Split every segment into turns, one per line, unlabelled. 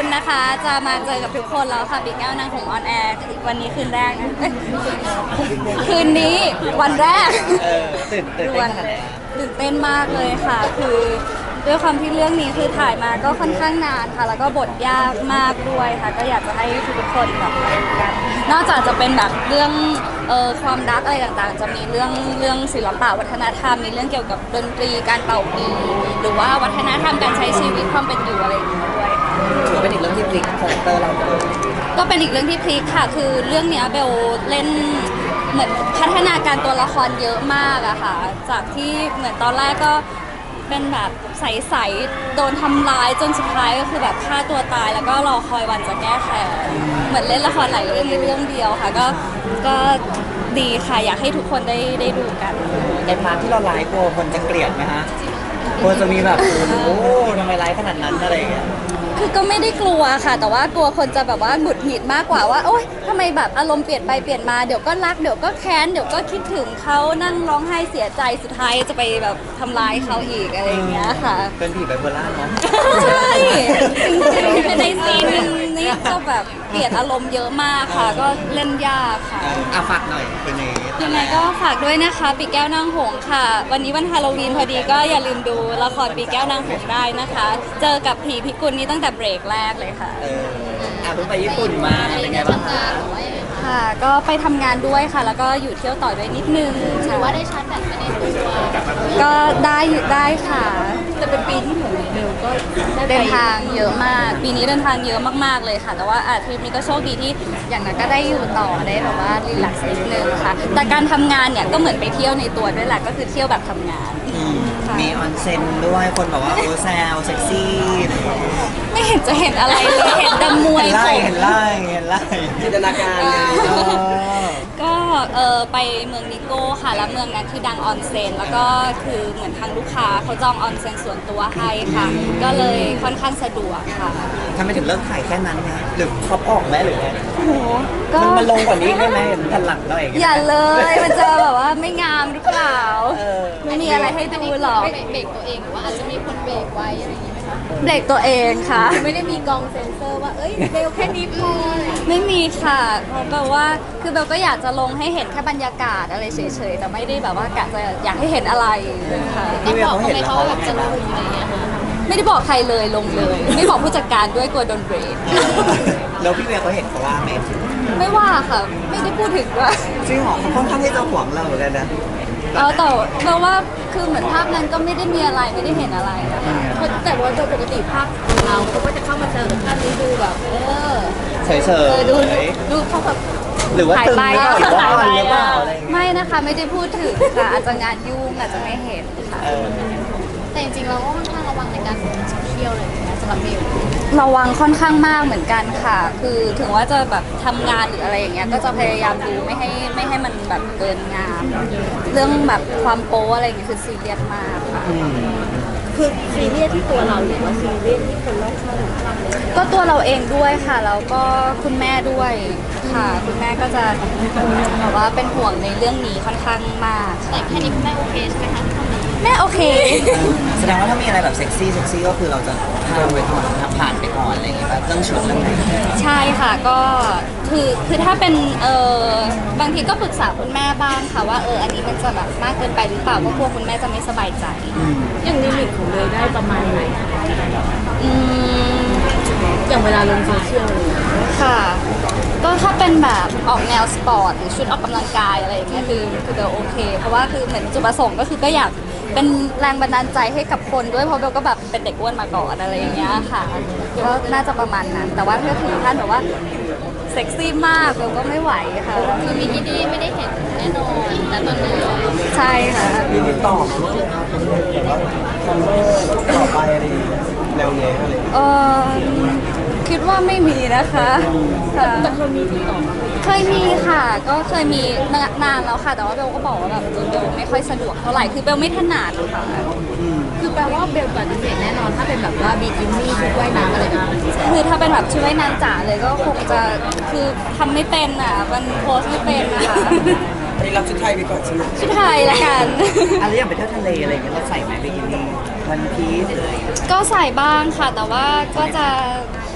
นะคะ จะมาเจอกับทุกคนแล้วค่ะปีแก้วนางหงส์ออนแอร์วันนี้คืนแรกนะเอ้ยคืนนี้วันแรก
ตื่นเต้นขนาดไหน
ตื่นเต้นมากเลยค่ะ คือด้วยความที่เรื่องนี้คือถ่ายมาก็ค่อนข้างนานค่ะ แล้วก็บทยากมากด้วยค่ะ ก็อยากจะให้ทุกคนแบบมาดูกันนอกจากจะเป็นแบบเรื่องความรักอะไรต่างๆ จะมีเรื่องศิลปะวัฒนธรรมมีเรื่องเกี่ยวกับดนตรีการเป่าปีหรือว่าวัฒนธรรมการใช้ชีวิตความเป็นอยู่อะไรอย่างเงี้ยด้วยค่ะ
ถือว่าเป็นอีกเรื่องที่พลิกคาแรคเตอร์เราเลย
ก็เป็นอีกเรื่องที่พลิกค่ะ คือเรื่องเนี้ยเบลเล่นเหมือนพัฒนาการตัวละครเยอะมากอะค่ะ จากที่เหมือนตอนแรกก็เป็นแบบใสๆโดนทำร้ายจนสุดท้ายก็คือแบบฆ่าตัวตายแล้วก็รอคอยวันจะแก้แค้นเหมือนเล่นละครหลายเรื่องในเรื่องเดียวค่ะ ก็ดีค่ะอยากให้ทุกคนได้ดูกัน
ในพาร์ทที่เราไลฟ์กลัวคนจะเกลียดไหมฮะกลัวจะมีแบบโอ้ทำไมไลฟ์ขนาดนั้นอะไรอย่างเงี้ย
คือก็ไม่ได้กลัวค่ะ แต่ว่ากลัวคนจะแบบว่าหงุดหงิดมากกว่าว่าโอ๊ยทำไมแบบอารมณ์เปลี่ยนไปเปลี่ยนมาเดี๋ยวก็รักเดี๋ยวก็แค้นเดี๋ยวก็คิดถึงเขานั่งร้องไห้เสียใจสุดท้ายจะไปแบบทำร้ายเขาอีกอะไรอย่างเงี้ยค่ะ
เป็นผีไบโพล่าเนาะ
ใช่จริงๆในซีนนี้ก็แบบเปลี่ยนอารมณ์เยอะมากค่ะ ก็เล่นยากค่ะ
ฝากหน่อยเป็นยังไง
ยังไงก็ฝากด้วยนะคะปีแก้วนางหงส์ค่ะ วันนี้วันฮาโลวีนพอดีก็อย่าลืมดูละครปีแก้วนางหงส์ได้นะคะ เจอกับผีพิกุลนี้ตั้งแต่เบรกแรกเลยค่ะ
เพิ่งไปญี่ปุ่นมาเป็นไงบ้างคะ
ค่ะ ก็ไปทำงานด้วยค่ะ แล้วก็อยู่เที่ยวต่อด้วยนิดนึงถือว่าได้ชาร์จแบตไปในตัวก็ได้อยู่ได้ค่ะแต่เป็นปีที่เหมือนเบลก็เดินทางเยอะมาก ปีนี้เดินทางเยอะมากๆเลยค่ะ แต่ว่าทริปนี้ก็โชคดีที่อย่างนั้นก็ได้อยู่ต่อได้แบบว่ารีแลกซ์นิดนึงค่ะ แต่การทำงานเนี่ยก็เหมือนไปเที่ยวในตัวด้วยแหละก็คือเที่ยวแบบทำงานค่ะ
มีออนเซ็นด้วยคนบอกว่าโอ้แซวเซ็กซี่
ไม่เห็นจะเห็นอะไรเลยเห็นแต่มวย
เห็น
ผ
ไล่
ม
เห็นไล่เห็นไล่จินตนาการเลย
ก็ไปเมืองนิโก้ค่ะแล้วเมืองนั้นคือดังออนเซ็นแล้วก็คือเหมือนทางลูกค้าเขาจองออนเซ็นส่วนตัวให้ค่ะ ก็เลยค่อนข้างสะดวกค่ะ
ทำไมถึงเลิกถ่ายแค่นั้นนะหรือเขาออกไหมหรือไง
โอ้โหก็
มันลงกว่านี้ได้ไหมเห็นทันหลังเราเอง
อย่าเลยมันจะแบบว่าไม่งามหรือเปล่า ไม่มีอะไรให้ดูหรอก
เบรกตัวเองหรือว่าอาจจะมีคนเบรกไว้อะไรอย่างนี้ไหมคะ
เบรกตัวเองค่ะ
ไม่ได้มีกองเซ็นเซอร์ว่า เอ้ยเบลแค่นี้พออะไรอย่างเงี้ย
ไม่มีค่ะเพราะแบบว่าคือเบลก็อยากจะลงให้เห็นแค่บรรยากาศอะไรเฉยๆแต่ไม่ได้แบบว่ากะจะอยากให้เห็นอะไรค่ะ
พี่เวียเขาเห็นแล้ว
เขา
เขา
แบบจะลงอะไรอย่างเงี้ยค่ะ
ไม่ได้บอกใครเลยลงเลย ไม่บอกผู้จัดการด้วยกลัวโดนเบรก
แล้วพี่เวียเขาเห็นเขาว่าไหม
ไม่ว่าค่ะ ไม่ได้พูดถึงด้วย
จริงเหรอเขาค่อนข้างที่จะหวงเราเหมือนกันนะ
แต่เบลว่าคือเหมือนภาพนั้นก็ไม่ได้มีอะไรไม่ได้เห็นอะไรนะคะ
แต่ว่าโดยปกติภาพของเราเขาก็จะเข้ามาเจอกับท่านนี้ดูแบบ
เฉย
ดูเขาแบบ
ๆหรือว่าตึงหรือเปล่าหรือว่าอ่อนหรือเปล่าอะไรอย่างเงี้ย
ไม่นะคะไม่ได้พูดถึงค่ะอาจจะงานยุ่งอาจจะไม่เห็นค่ะ
แต่จริงๆเราก็ค่อนข้างระวังในการเที่ยวเลยนะสำหรับเบล
ระวังค่อนข้างมากเหมือนกันค่ะ คือถึงว่าจะแบบทำงานหรืออะไรอย่างเงี้ยก็จะพยายามดูไม่ให้มันแบบเกินงามเรื่องแบบความโป๊อะไรอย่างเงี้ยคือซีเรียสมากค่ะ
คือซีเรียสที่ตัวเราหรือว่าซีเรียสที่คนรอบข้าง
ก็ตัวเราเองด้วยค่ะแล้วก็คุณแม่ด้วยค่ะ คุณแม่ก็จะแบบว่าเป็นห่วงในเรื่องนี้ค่อนข้างมาก
แต่แค่นี้คุณแม่โอเคใช่ไหมคะที่ทำนี้
แม่โอเค
แสดงว่าถ้ามีอะไรแบบเซ็กซี่ก็คือเราจะข้ามไปก่อนผ่านไปก่อนอะไรอย่างเงี้ยแบบเรื่องชุดเรื่องไหน
ใช่ค่ะก็คือถ้าเป็นบางทีก็ปรึกษาคุณแม่บ้างค่ะว่าอันนี้มันจะแบบมากเกินไปหรือเปล่าก็กลัวคุณแม่จะไม่สบายใจ
อย่างลิมิตของเลยได้ประมาณไหน
อืม
อย่างเวลาลงโซเชียลเลย
ค่ะ ก็ถ้าเป็นแบบออกแนวสปอร์ตหรือชุดออกกำลังกายอะไรอย่างเงี้ยคือเบลโอเค เพราะว่าคือเหมือนจุดประสงค์ก็คือก็อยากเป็นแรงบันดาลใจให้กับคนด้วยเพราะเบลก็แบบเป็นเด็กอ้วนมาก่อนอะไรอย่างเงี้ยค่ะก็น่าจะประมาณนั้น แต่ว่าถ้าถึงขั้นแบบว่าเซ็กซี่มากเบลก็ไม่ไหวค่ะ
คือมีที่นี่ไม่ได้เห็นแน่นอนแต่ตอนนี้
ใช่ค่ะ
มีติดต่อมาว่าแบบว่าคอนเวอร์ต่อไปอะไรอย่างเงี้ยแนวเนี้ยอะไรอย่างเงี้ย
เออคิดว่าไม่มีนะคะค่ะ
แต่เคยมีติดต่อมา
เคยมีค่ะ ก็เคยมีนานแล้วค่ะ แต่ว่าเบลก็บอกว่าแบบเบลไม่ค่อยสะดวกเท่าไหร่คือเบลไม่ถนัดค่ะ
คือแปลว่าเบลปฏิเสธแน่นอนถ้าเป็นแบบว่าบีกินี่ชุดว่ายน้ำอะไรนะ
คือถ้าเป็นแบบชุดว่ายน้ำจ๋าเลยก็คงจะคือทำไม่เป็นอ่ะมันโพสไม่เป็นนะคะ
อันนี้รับชุดไทยไปก่อนใช่ไหม
ชุดไทยละกัน
อะไรอย่างไปเที่ยวทะเลอะไรอย่างเงี้ยเราใส่ไหมบิกินี่วันพีซอะไรอย่างเงี้ย
ก็ใส่บ้างค่ะ แต่ว่าก็จะใช่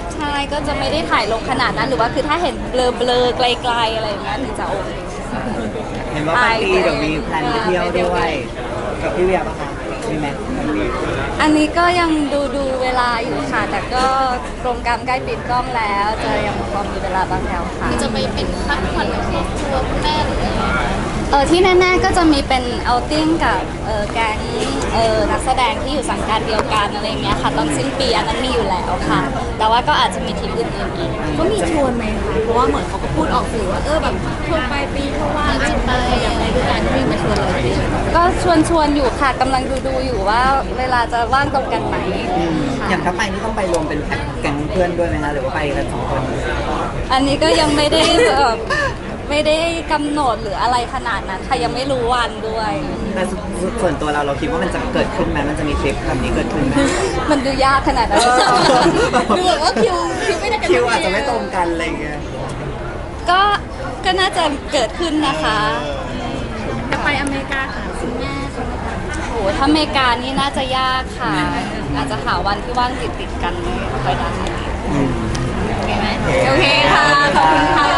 ก็จะไม่ได้ถ่ายลงขนาดนั้นหรือว่าคือถ้าเห็นเบลอๆไกลๆอะไรอย่างเงี้ยถึงจะโอเค
เห็นว่าปลายปีเดี๋ยวมีแพลนไปเที่ยวด้วยกับพี่เวียป่ะคะมีไหม
อันนี้ก็ยังดูเวลาอยู่ค่ะ แต่ก็โปรแกรมใกล้ปิดกล้องแล้ว จะยังพอมีเวลาบ้างแล้วค่ะ
จะไปเป็นพักผ่อนกับครอบครัวคุณแม่หรืออะไร
ที่แน่ๆก็จะมีเป็นเอาติ้งกับแก๊งนักแสดงที่อยู่สังกัดเดียวกันอะไรอย่างเงี้ยค่ะตอนสิ้นปีอันนั้นมีอยู่แล้วค่ะ แต่ว่าก็อาจจะมีทีมอื่นๆอีก
ก็มีชวนไหมคะเพราะว่าเหมือนเขาก็พูดออกสื่อว่าแบบช่วงปลายปีเขาว่าจะไปอย่างไรด้วยกันที่มาชวนเราไป
ก็ชวนอยู่ค่ะกำลังดูอยู่ว่าเวลาจะว่างตรงกันไหมค่ะ
อย่างถ้าไปนี่ต้องไปรวมเป็นแก๊งเพื่อนด้วยไหมคะหรือว่าไปกัน2 คน
อันนี้ก็ยังไม่ได้ไม่ได้กำหนดหรืออะไรขนาดนั้นค่ะยังไม่รู้วันด้วย
แต่ส่วนตัวเราคิดว่ามันจะเกิดขึ้นไหมมันจะมีทริปแบบนี้เกิดขึ้นไหม
มันดูยากขนาดนั้น
ดูแบบว่าคิวไม่ได้กัน
คิวอาจจะไม่ตรงกันอะไรอย่างเงี้ย
ก็น่าจะเกิดขึ้นนะคะ
จะไปอเมริกาหาคุณแม่ใช่ไหมคะ
โหถ้าอเมริกานี่น่าจะยากค่ะ อาจจะหาวันที่ว่างติดกันไม่ค่อยได้
อืม
โอเคค่ะ ขอบคุณค่ะ